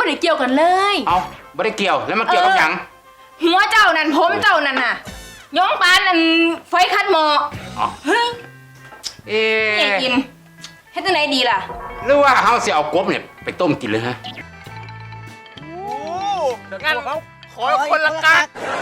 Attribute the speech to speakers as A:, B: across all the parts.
A: ได้เกี่ยวกันเลย
B: เอาไม่ได้เกี่ยวแล้วมันเกี่ยวกับหยัง
A: หัวเจ้านั่นผมเจ้านั่นน่ะย้องปานนั่นไฟคัดหมอ
B: อ๋อ
A: เฮ้ย
B: เอ๊
A: นี่
B: ะ
A: กินเฮ็ดจังไดดีล่ะ
B: หรือว่าเขาสิเอากบเนี่ยไปต้มกินเลยฮะ
C: งั้นขอคนละกัก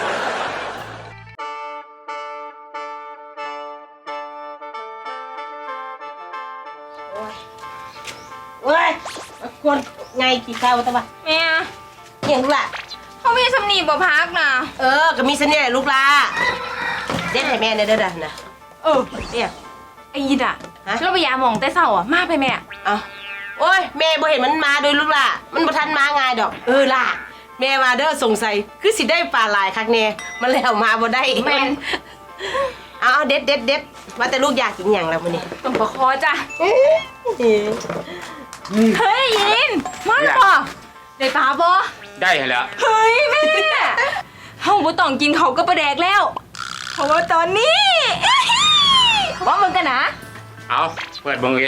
D: เว้ยคนไงกี่ข้าวตะวะ
A: แม่
D: เห็นลูกละ
A: เขามีสำนีบ่พักน่ะ
D: ก็มีเสน่ห์ลูกละเด็ดให้แม่เนี่ยเด้อนะเนี่ย
A: ไอ้ยิดอ่ะ
D: ฮะ
A: เราไปยาหมองแต่เช้าอ่ะมาไปแม่
D: เอาโอ้ยแม่บ่เห็นมันมาโดยลูกละมันบ่ทันมาง่ายดอกล่ะแม่มาเด้อสงสัยคือสิได้ปลาหลายคักแน่มันแล้วมาบ่ได้
A: แม่น
D: เอาเด็ดว่าแต่ลูกอยากกินหยังแล้วมื้อนี้
A: ต้มปลาคอจ้ะเฮ้ยยินมาแล้วบ่ได้ปลาบ่
B: ได้แล้ว
A: เฮ้ยแม่เฮาบ่ต้องกินเขาวก็ปลาแดกแล้วเพราะว่าตอนนี้ว่ามึงกันนะ
B: เอาเปิดเบิ่งเอง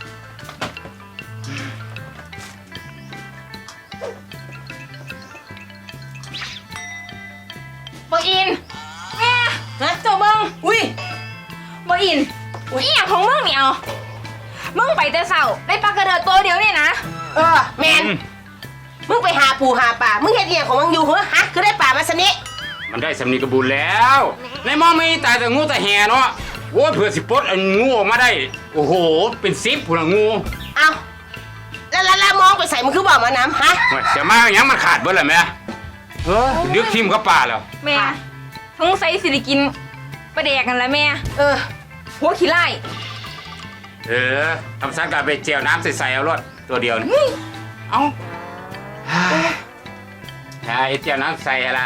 A: บ่อินแม่
D: ฮะ
A: เจ้าเบิ่ง
D: อุ้ย
A: บ่อินอีหยังของมึงนี่เอามึงไปแต่เช้าได้ปลากระเดิดตัวเดียวนี่นะ
D: แม่นมึงไปหาปูหาปลามึงเฮ็ดอีหยังของมึงอยู่เหรอฮะคือได้ปลามาซะนี่
B: มันได้สำนีกระบุญแล้ว ในหมองไม่ตายแต่งูแต่แห่เนาะโอ้ยเผื่อสิปลดงูออกมาได้ โอ้โห เป็น10ผู้ละงู
D: เอาแล้วมองไปใส่มึงคือบอกมาน้ำฮะ
B: เฮ้ยจะมาอย่างมันขาดเบิดเลยแม่เฮ้ยดึกทิมกับป่าแล้ว
A: แม่สงสัยสิได้กินปลาแดกกันแล้วแม่หัวขี้ไล่
B: ทำสังกัดไปเจียวน้ำใส่ๆเอารถตัวเดียวนี่เอาไอ้เจียวน้ำใส่ละ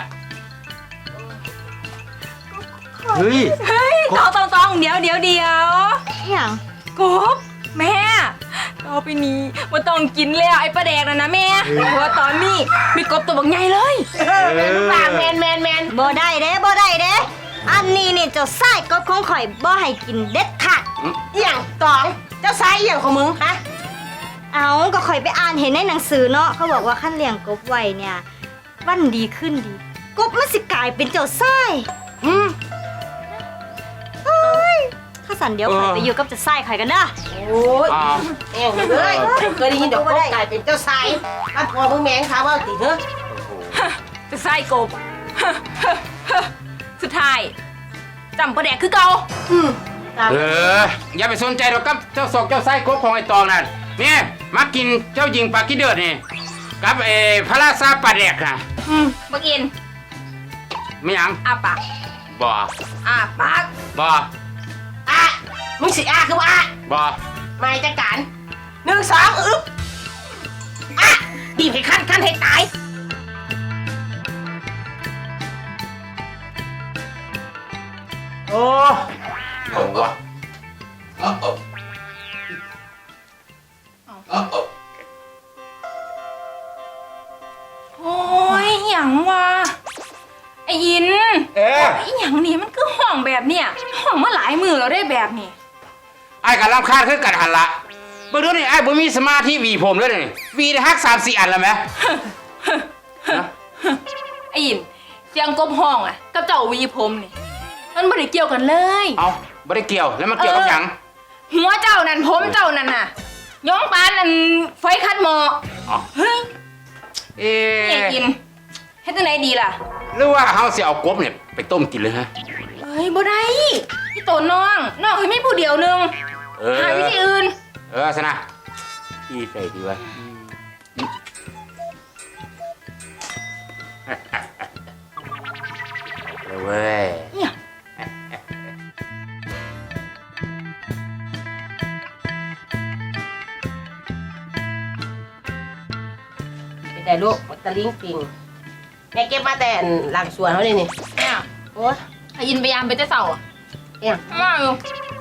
B: เฮ้ย
A: เฮ้ยต้องเดี๋ยว
E: อย่าง
A: กบแม่ต่อไปนี้มันต้องกินแล้วไอ้ปลาแดกนะแม่เพราะว่าตอนนี้มีกบตัวบักใหญ่เลย
D: ปลาแมน
E: บ่ได้เด้อันนี้นี่เจ้าไส้กบของข่อยบ่ให้กินเด็ดขาด
D: อหย่างตองเจ้าชายอหย่างของมึงฮะ
E: เอาก็ข่อยไปอ่านเห็นในหนังสือเนาะเขาบอกว่าขั้นเลี้ยงกบไว้เนี่ยวันดีขึ้นดีกบมันสิกลายเป็นเจ้าไส้เฮ้ยถ้าสันเดี๋ยวข่อยไปอยู่กับเจ้าไส้ข่อยกันเด้อ
D: โอ้ยเอ็งเลยเคยได้ยินเดี๋ยวก็กลายเป็นเจ้าชายถ้าพอมึงแมงค่ะว่าติเถอะ
A: จะไส้กบ สุดท้ายจำปลาแดกคือเก่า
B: อย่าไปสนใจหรอกครับเจ้าศอกเจ้าไส้กบของไอ้ตองนั่นนี่มากินเจ้าหญิงปลากิเดือดนี่กับพระราชาปลาแดกน่ะ
A: บักอิน
B: ไม่ยัง
A: อาปาก
B: บ่
A: อาปาก
B: บ่
D: มึงสิคือว่า
B: บ่
D: ไม่จัดการ1 2อึ๊บบีบให้ขั้นให้ตายโอ้
B: เอาวะ
A: โอ้ยหยังวะไอ้ยินไอ้หยังนี่มันคือห้องแบบเนี้ยห้องมาหลายมือแล้วได้แบบนี้
B: ไอ้กะรำคาญคือกันหันละเบิ่งดูนี่ไอ้บ่มีสมาธิหวีผมเลยนี่หวีได้ฮัก3-4 อันแล้วแหม
A: ไอ้ยินเสียงกบห้องอ่ะกับเจ้าวีผมนี่มันไม่ได้เกี่ยวกันเลย
B: เอาบ่ได้เกี่ยวแล้วมันเกี่ยวกับหยัง
A: หัวเจ้านั่นผมเจ้านั่นน่ะย้องปานนั่นไฟคัดหมอ
B: อ๋อ
A: เฮ้ย
B: นี่
A: นี่กินเฮ็ดจังไดดีล่ะ
B: หรือว่าเขาสิเอากบเนี่ยไปต้มกินเลยฮะ
A: เฮ้ยบ่ได้พี่โตน้องให้ไม่ผู้เดียวนึงหาวิธีอื่น
B: สนะอีใส่ดีวะเลยเว้ย
A: เนี่ย
D: เป็นแต่ลูกตะลิงปิงแม่เก็บมาแต่หลังสวนเขาเลยนี่
A: เนี่ย
D: โอ้ย
A: ไอ้ยินพยายามไปแต่เสาอ่ะ
D: เนี่ย
A: มาอยู่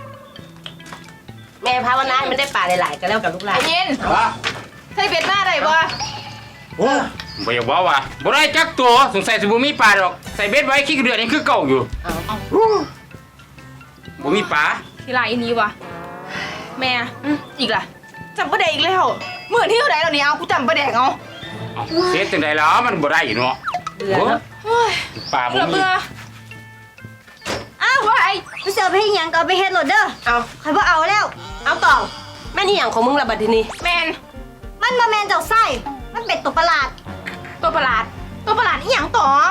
D: แม่ภาวนาให้มันได้ปลาหลายๆก็แล้วกับลูกหลา
A: ไอ้
D: น
A: ยิน
B: วะ
A: ใส่เบ็ดหน้าได้บ่
B: โอ้บ่อยากบอกว่าบ่ได้จักตัวสงสัยสิบ่มีปลาดอกใส่เบ็ดไว้ขี้เดือดนี่คือเก่าอยู่
D: เอา
B: บ่มีปลา
A: ทีไรนี้วะแม่อีกล่ะจำประเด็กอีกแล้วเหมือนที่เท่าไหร่แล้วนี่เอากูจำประเด็กเอา
B: เเสียจังไดแล้วมันบ่ได้เนาะ
D: เบื่อเนาะ
A: โอ้ย
B: ป่าบ่
A: เบื่อ
B: มี
A: เบื่อ
E: อ้าวว่าไอ้กูสิเอาไปเฮ็ดหยังก็เอาไปเฮ็ดโหลดเด้อ
D: เอา
E: ข่อยบ่เอาแล้ว
D: เอาตองแม่นี่อย่างของมึงละบัดทีนี้
A: แมน
E: มันบ่แม่นเจ้าไส้มันเป็นตัวประหลาด
A: ตัวประหลาดอีหยังตอง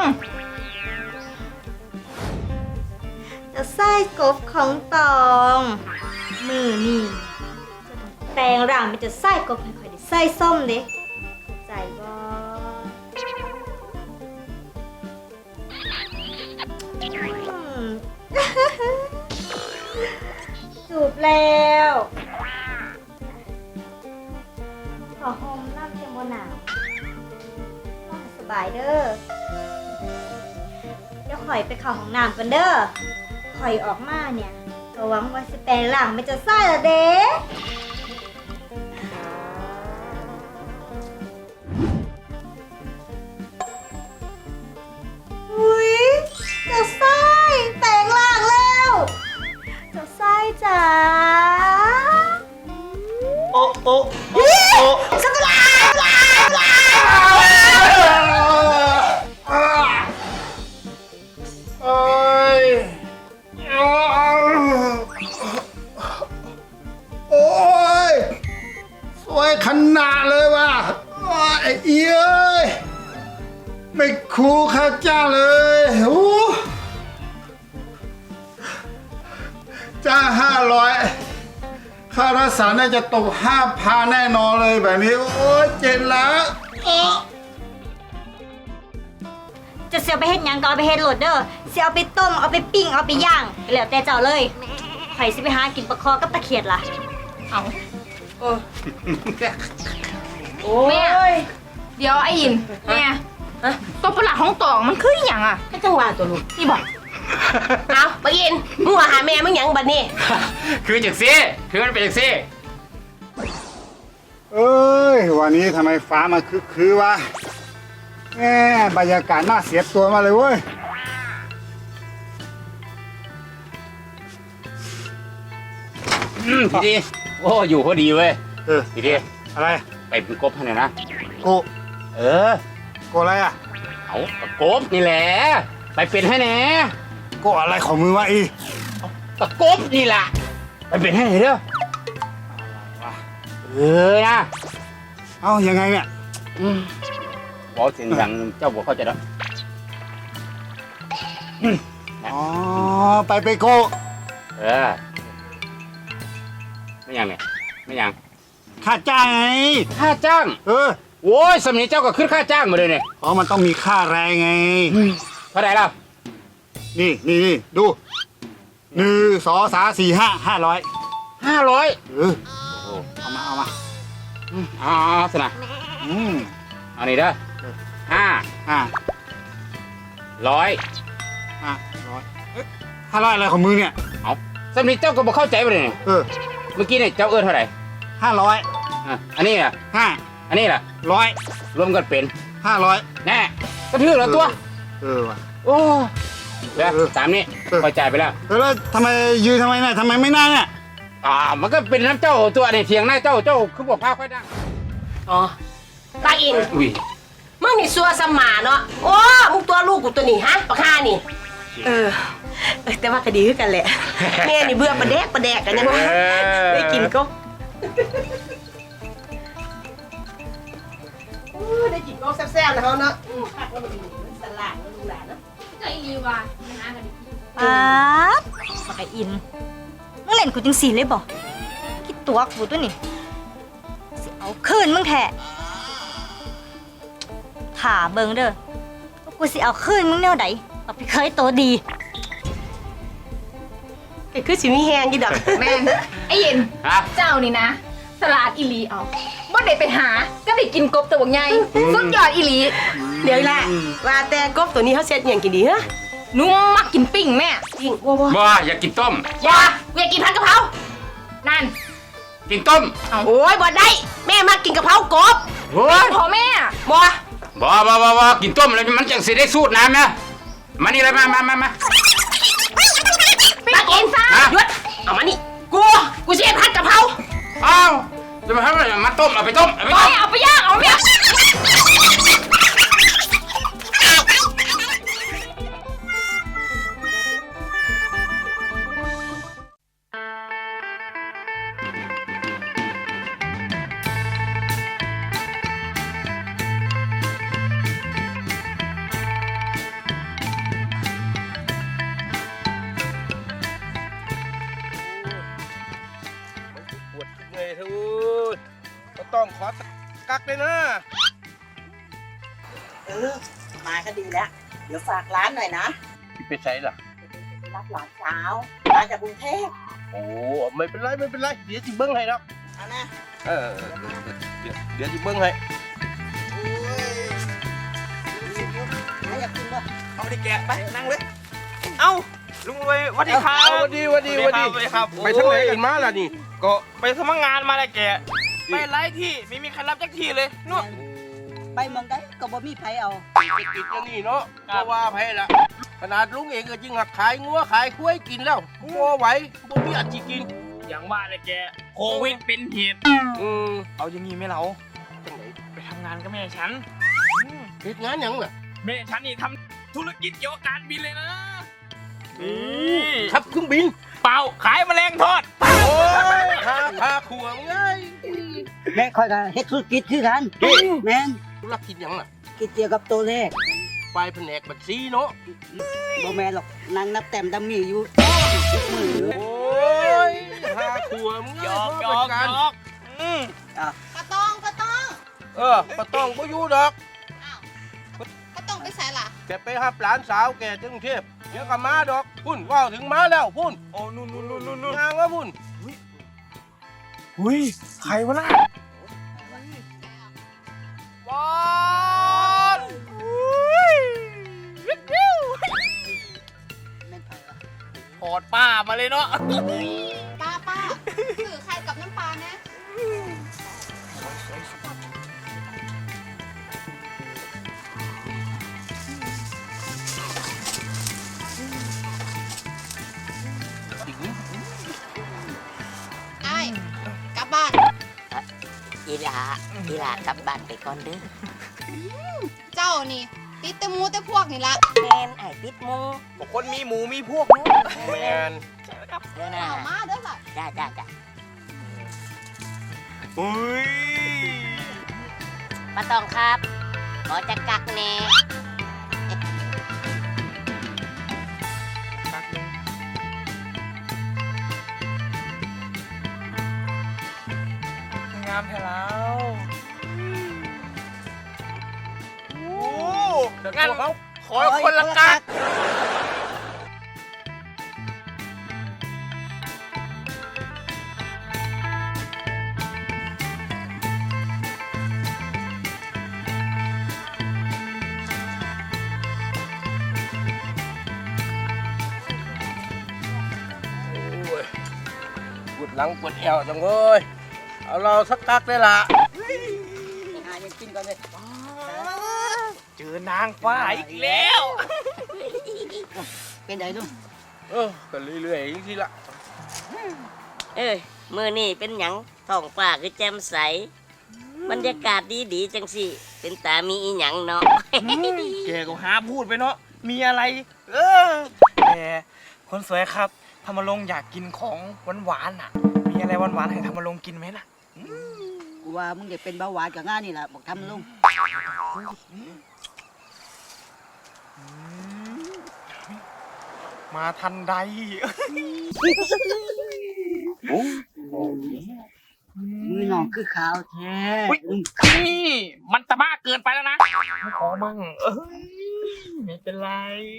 E: เจ้าไส้กบของตอง มือนี่จะต้องแปลงร่างเป็นเจ้าไส้กบให้ข่อยได้ไส้ส้มเด้เข้าใจบ่อืม จูบแล้วขอโฮมน้ำเพียงบนหนาวนอนให้สบายเด้อ เดี๋ยวข่อยไปเข้าห้องน้ำกันเด้อข่อยออกมาเนี่ยก็หวังว่าสิแปลงร่างไม่จะไส้ละเด้อุ้ยเจะไส้แปลงร่างแล้วเจะไส้จ๋า
C: โอ้โอ้โอ้โอ้
E: สักลา
C: เอ้ยโอ้ยสวยขนาดเลยว่ะไอ้เอี้ยยไม่คูข้าจ้าเลยโอ้จ้า500ค่ารักษาน่าจะตก5,000แน่นอนเลยแบบนี้ โอ้ยเจ็บแล้วอ้อ
E: จะเสียไปเฮ็ดหยังก็เอาไปเฮ็ดโหลดเด้อเสียเอาไปต้มเอาไปปิ้งเอาไปย่างแล้วแต่เจ้าเลยข่อยสิไปหากินปลาคอกับตะเขียดล่ะ
A: เอา
D: โอ้โอ้
A: แม่
D: ย
A: เดี๋ยวไอ้ยินแม่
D: ฮะ
A: ตัวประหลาดของตองมันคืออหย่างอ่ะ
D: ให้จังหวะตัวลูก
A: นี่บอก
D: เอาไปกินมึงว่าหาแม่มึงหยังบัดนี้
B: คือจังซี่คือมันเป็นจังซี่
F: เอ้ยวันนี้ทำไมฟ้ามาคือวะแหมบรรยากาศน่าเสียตัวมาเลยเว้ย
B: ทีดีโอ้อยู่พอดีเว้ย
F: เออ
B: ทีดี
F: อะไร
B: ไปเป็นกบให้หน่อยนะ
F: โก
B: เออ
F: โกอะไรอ่ะ
B: เอากบกบนี่แหละไปเป็นให้แหน่
F: โกอะไรของมือวะอี
B: กกบนี่ล่ะไปเป็นให้หน่อยเด้อเออนะ
F: เอ้ายังไงเนี่ย
B: บอกเสียงดังเจ้าบอกเข้าใจแล้ว
F: อ๋อไปโก
B: เออไม่ยังเนี่ยไม่ยัง
F: ค่าจ้างไง
B: ค่าจ้าง
F: เออ
B: โว้ยสำนีเจ้าก็ขึ้นค่าจ้างมาเลยเนี่ย
F: อ๋อมันต้องมีค่าแรงไง
B: เท่าไหร่ล่ะ
F: นี่ดู1 2 3 4 5 500
B: 500
F: เออเอามา
B: อ๋อสนะ
F: อืม
B: เอานี่เด้อห้า
F: 500 500อะไรของมือเนี่ย
B: เอาสำนีเจ้าก็บอกเข้าใจไปเลยเนี่ย
F: เออ
B: เมื่อกี้เนี่ยเจ้าเอื้อเท่าไหร่
F: 500
B: อ่ะอันนี้อ่ะ
F: 500
B: อันนี้ล่ะรวมกันเป็น
F: 500
B: แน่ก็ถือแล้วตัว
F: เออว่ะ
B: โอ้แล้ว
F: เออ
B: ตามนี้
F: เออ
B: พอจ่ายไปแล้ว
F: แล้วทำไมยืนทำไมเนี่ยทำไมไม่นั่งเนี่ย
B: มันก็เป็นน้ำเจ้าตัวเนี่ยเถียงหน้าเจ้าคือบอกพาค่อยดัง
D: อ๋อตาอิน
B: อุ้ย
D: มึงนี่ซัวสมาเนาะ โอ้ มึงตัวลูกกูตัวนี้ฮะปะค่านี่ เออ แต่ว่าก็ดีขึ้นกันแหละ แม่นี่เบื่อประแดกกันยังวะได้กินก็ได้กินก็แซ่บๆนะเขาเนาะผักแล้วมันสลัดแล้วดูแลเนาะ
A: ใจรีว่ามันหากันดิ
E: ป๊าบบักไอ้อินมึงเล่นกูจังสีเลยบ่คิดตัวกูตัวนี่สิเอาคืนมึงแท้ถ่าเบิ่งเด้อว่ากูสิเอาคืนมึงแนวใดเอาไปเคยตัวดี
D: ก็คือสิมีแฮงกี่ดอก
A: แม่นไอ้ยิน
B: ฮะ
A: เจ้านี่นะ สลัดอีหลีเอาบ่ได้ไปหาก็ได้กินกบตัวใหญ่สุดยอดอีหลี
D: เดี๋ยวละว่าแต่กบตัวนี้เขาเซ็ตอย่างกินดีฮะ
A: หนุ่มมักกินปิ้งแม่
D: จริงว้าว
B: บ่อยากกินต้ม
D: อย่ากูอยากกินผัดกะเพรา
A: นั่น
B: กินต้ม
D: โอ้ยบ่ได้ แม่มากินกะเพรากบ
B: โอ้ย
A: พอแม่
D: บ่
B: บ่กินต้มแล้วมันจังสิได้สูตรน้ำนะมานี่เลยมา
A: ปิ้งกบซะ
B: ฮะ
D: หยุดเอามานี่กูสิให้ผัดกะเพรา
B: อ้าวจะมาทำอะไรมาต้มเอาไปต้มเอาไป
A: ไป
B: ต้ม
A: เอาไปย่างเอาไปย่าง
G: เลยนะ
D: มาก็ดีแล้ว เดี๋ยวฝากร้านหน่อยนะ
G: ที่ไปใช้ล่ะ
D: ไปรับหลานสาวมาจากกรุงเทพ
G: โอ้ไม่เป็นไรไม่เป็นไรเดี๋ยวจิเบิ้งให้ครับ
D: เอานะ
G: เดี๋ยวจิเบิ้งให้
D: อยากกินด้วย
H: เอาดิแกะไปนั่งเลย เอ้าลุงรวยสวัสดีครับ
G: สวัสดีสวัสดีสวัสดี
H: สวัสดีครับ
G: ไปทางไหนกันมาล่ะนี่
H: ก็ไปสมัครงานมาแล้วแกะไปไล่ที่ไม่มีใครรับจักทีเลยนู่น
D: ไปมองได้ก็บ่มีไผเอา
G: ติดอย่างนี้เนาะเพราะว่าไผละขนาดลุงเองก็จริงหักขายงัวขายกล้วยกินแล้วงัวไหวบ่มีอันจิกิน
H: อย่างว่าเลยแกโควิดเป็นเหตุ เอาอย่างนี้ไหมเรา
G: จังไหน
H: ไปทำงานกับแม่ฉัน
G: เฮ็ดงานหยังล่ะ
H: แม่ฉันนี่ทำธุรกิจเกี่ยวกับการบินเลยนะนี่
G: ขับเครื่องบิน
H: เปล่าขายแมลงทอด
G: โอ้ยหาขวงไง
I: แม่ค่อยกันเฮ็ดธุรกิจคือกันแม่น
G: ธุรกิจหยังล่ะ
I: กิจเกี่ยวกับตัวเลข
G: ฝ่ายแผนกบัญชีเนาะ
I: บ่แม่นหรอกนางนับแต้มดำมีอยู่มืออยู่
G: โอ้ยหาขวง
H: หยอกหยอกหยอก
J: กระต้องกระต้อง
G: ก็ต้องบ่อยู่ดอก
J: กระต้องไปใส่ล่ะ
G: แกไปหับหลานสาวแกที่กรุงเทพเดี๋ยวก็มาดอกพุ่นว่าวถึงมาแล้วพุ่น
H: โอ้นู่น
G: งางว่าพุ่น
H: อุ้ยใครวะน่ะบอล
I: แม่นไผวะ
H: ถอดป้ามาเลยเนาะ
J: ป้าถือไข่กับน้ำปลานะ ไอ้กลับบ้าน
D: อีหลากลับบ้านไปก่อนเด้อ
J: เจ้านี่ ติดแต่หมูแต่พวกนี่ละ
D: แม่นไอ้ติดหมู
H: บอกคนมีหมูมีพวกนู้น
G: แมน
D: เด้อนะ
J: เอามาเด้อล่ะ
D: จ้า
H: อุ้ย
D: ป้าตองครับขอจะกักแน่
H: งามแท้แล้วโอ้งั้นขอคนละกัก
G: ปวดหลังปวดแอวจังเว้ยเอาเราสักกักได้ละ
I: หายังกินก่อนเลย
H: เจอนางฟ้าอีกแล้ว
I: เป็นไดลุง
G: ก็เรื่อยๆอย่างที่ละ
D: มื้อนี้เป็นหยังท้องฟ้าคือแจ่มใสบรรยากาศดีจังสิเป็นตามีอีหยังเนาะ
H: แกก็หาพูดไปเนาะ มีอะไร แต่คนสวยครับธรรมรงค์อยากกินของหวานๆน่ะ มีอะไรหวานๆให้ธรรมรงค์กินไหมล่ะ
I: กูว่ามึงเด็กเป็นเบาหวานกับงานนี่แหละบอกทำลุง
H: มาทันใด
I: มือน้องคือขาวแท้
H: อุ๊ย นี่มันตะบ้าเกินไปแล้วนะขอมั่งไม่เป็นไร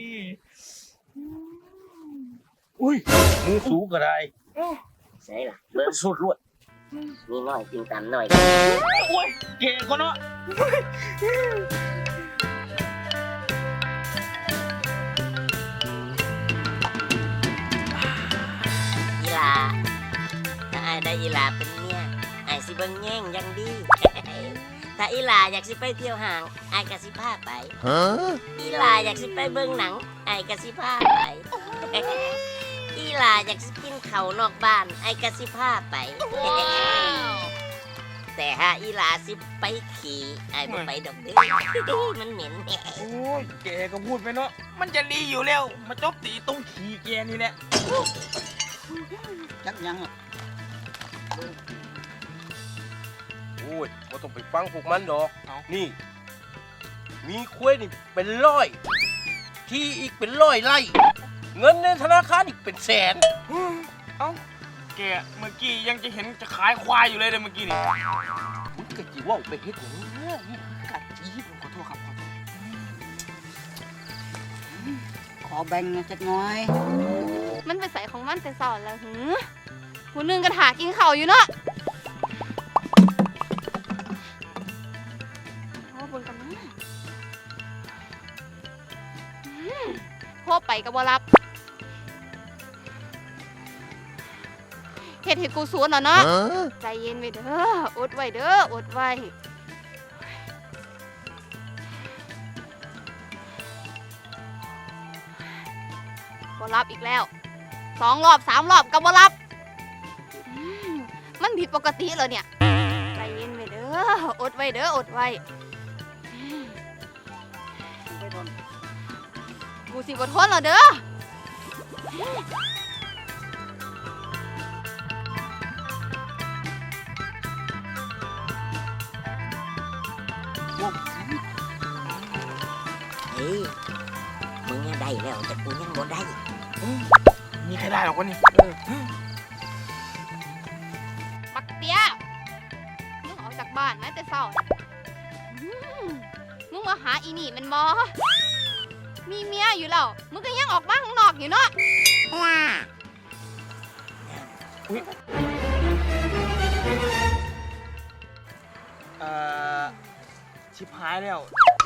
G: อุ้ยมือสูงก็ได้
D: ใช่ล่ะเบิ่ง
G: สุดลวด
D: มีน้อยกินตามน้อย
H: โอ้ยเก่งก็เนาะ
D: อีหลาถ้าอายได้อีหลาเป็นเมียอายสิเบิ่งแย่งอยังดี ถ้าอีหลาอยากสิไปเที่ยวห้างอายก็สิพาไปอีหลาอยากสิไปเบิ่งหนังอายก็สิพาไป อีหลาอยากสิกินข้าวนอกบ้านอายก็สิพาไป แต่ถ้าอีหลาสิไปขี่อายบ่ไปดอกเด้อ มันเหม็น
H: โอ้ยแกก็พูดไปเนาะ มันจะดีอยู่แล้ว มาจบตีตรงขี่แกนี่แหละ
I: จักยังหรอก
G: โอ้ยก็ต้องไปฟังพวกมันดอก
H: เอา
G: นี่ มีคุ้ยนี่เป็นร้อย ที่อีกเป็นร้อยไร่ เงินในธนาคารอีกเป็นแสน
H: เอ้า แกเมื่อกี้ยังจะเห็นจะขายควายอยู่เลยเมื่อกี้นี่
G: มึงก็จีว่าไปเฮ็ดอย่างนี้นี่กัดจีบ
H: ขอโทษครับขอโทษ
I: ขอแบ่งจักหน้อย
J: มันไปใส่ของมันแต่สอนแล้วหือผู้หนึงก็ถากินข้าวอยู่เนาะโอ้บนกันนะโทรไปก็บ่รับเฮ็ดให้กูสวนเหรอเนาะใจเย็นไว้เด้ออดไว้เด้ออดไว้บ่รับอีกแล้ว2 รอบ 3 รอบก็บ่รับมันผิดปกติเหรอเนี่ยใจเย็นไว้เด้ออดไว้เด้ออดไว้กูสิบ่ทนเหรอเด้อ
D: เฮ้ยมึงยังได้แล้วแต่กูยังบ่ได้
H: มีใครได้หรอกวะนี่
J: ปักเตี้ยมึงออกจากบ้านไหมแต่เศร้ามึงมาหาอีนี่มันบอมีเมียอยู่แล้ว มึงก็ยังออกมาข้างนอกอยู่เนาะ
H: ชิบหายแล้ว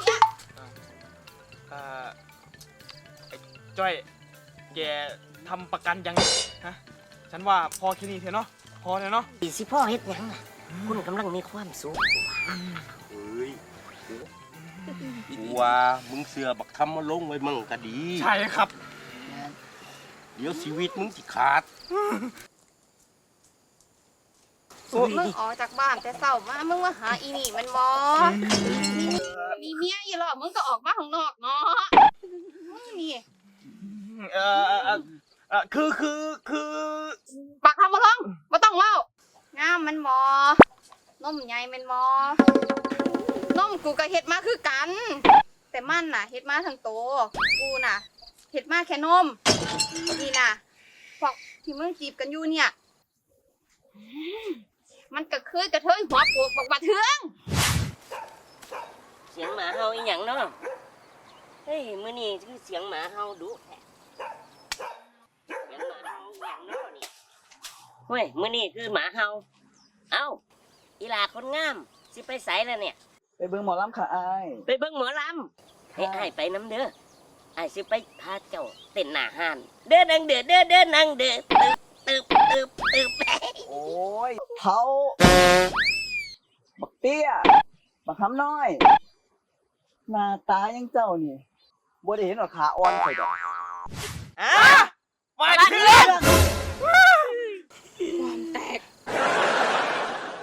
H: ไอ้จ้อยแกทำประกันยังฮะฉันว่าพอแค่นี้เถอะเนาะพอเลยเนาะ
D: อีสิพ่อเฮ็ดหยังน่ะคุณกำลังมีความสุข
G: เฮ้ยกูว่ามึงเสือบักทำมาลงไว้มั่งก็ดี
H: ใช่ครับ
G: เดี๋ยวชีวิตมึงสิขาด
J: มึงออกจากบ้านแต่เศร้ามามึงมาหาอีนี่มันบอมีเมียอยู่หรอมึงก็ออกมาข้างนอกเนาะนี่
H: คือ
J: ปากทำมาลองมาต้องเล่างามมันบอนมใหญ่มันบอนมกูก็เฮ็ดมาคือกัน แต่มันน่ะเฮ็ดมาทั้งโตกูน่ะเฮ็ดมาแค่นมนี่น่ะพวกที่มึงจีบกันอยู่เนี่ยมันก็คือกระเทยหัวปวกบักบะเทือง
D: เสียงหมาเห่าอีหยังเนาะเฮ้ยมื้อนี้คือเสียงหมาเห่าดุแท้เสียงหมาเห่าอีหยังเนาะนี่เฮ้ยมื้อนี้คือหมาเห่าเอ้าอีหลาคนงามสิไปไสแล้วเนี่ย
I: ไปเบิ่งหมอลำค่ะอาย
D: ไปเบิ่งหมอลำให้อ้ายไปน้ำเด้ออ้ายสิไปพาเจ้าเต้นหน้าห้านเด้อนังเด้อเด้อเด้อนังเด้อตึบตึบตึบตึบ
I: โอ้ยเท้าบักเตี้ยบักคำน้อย หน้าตายังเจ้านี่บ่ได้เห็นหรอกขาอ่อนข่อยดอก
H: มาเถื่อน